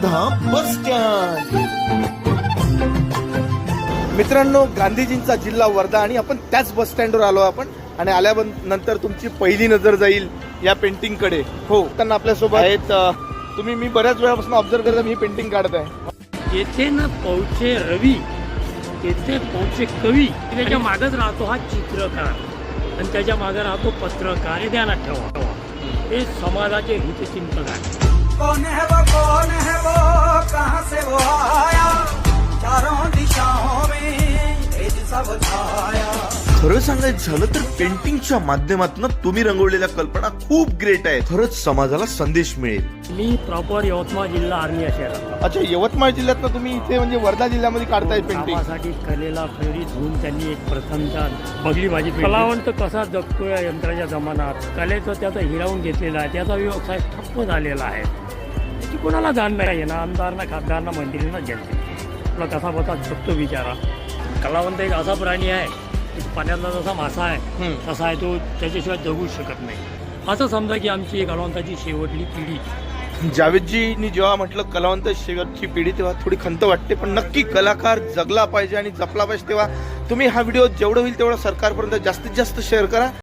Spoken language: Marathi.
Wardha bus stand. मित्रांनो, गांधीजींचा जिल्हा वर्धा आणि आपण त्याच बस स्टँडवर आलो आपण. आणि आल्यानंतर तुमची पहिली नजर जाईल या पेंटिंग कडे. हो, त्यांना आपल्यासोबत आहेत. तुम्ही मी बऱ्याच वेळापासून ऑब्झर्व करता मी पेंटिंग काढत आहे. येथे न पहुचे रवी, येथे पहुचे कवी. त्याच्या मागच राहतो हा चित्रकार आणि त्याच्या मागे राहतो पत्रकार. हे ध्यानात ठेवा, हे समाजाचे हितचिंतक आहे. कौन है वो कहाँ से वो आया, चारों दिशाओं में तेज सब छाया. खरं सांगायचं झालं तर पेंटिंगच्या माध्यमातून तुम्ही रंगवलेल्या कल्पना खूप ग्रेट आहे. खरंच समाजाला संदेश मिळेल. मी प्रॉपर यवतमाळ जिल्हा आर्मी या शहरात. अच्छा, यवतमाळ जिल्ह्यात तुम्ही इथे म्हणजे वर्धा जिल्ह्यामध्ये काढताय पेंटिंग. कामासाठी कलेला फेरी धुवून त्यांनी एक प्रथमच्या बघली माझी कलावंत कसा जगतो या यंत्राच्या जमान्यात. कलेचं त्याचा हिरावून घेतलेला आहे, त्याचा व्यवसाय ठप्प झालेला आहे. त्याची कोणाला जाण नाही ना, आमदारांना खासदारांना मंत्रींना जनते. तुला कसा बसा जगतो विचारा. कलावंत एक असा प्राणी आहे, पाण्यातला जसा मासा आहे तसा आहे तो, त्याच्याशिवाय जगू शकत नाही. असं समजा की आमची एक कलावंताची शेवटली पिढी. जावेदजींनी जेव्हा म्हटलं कलावंत शेवटची पिढी तेव्हा थोडी खंत वाटते, पण नक्की कलाकार जगला पाहिजे आणि जपला पाहिजे. तेव्हा तुम्ही हा व्हिडिओ जेवढं होईल तेवढं सरकारपर्यंत जास्तीत जास्त शेअर करा.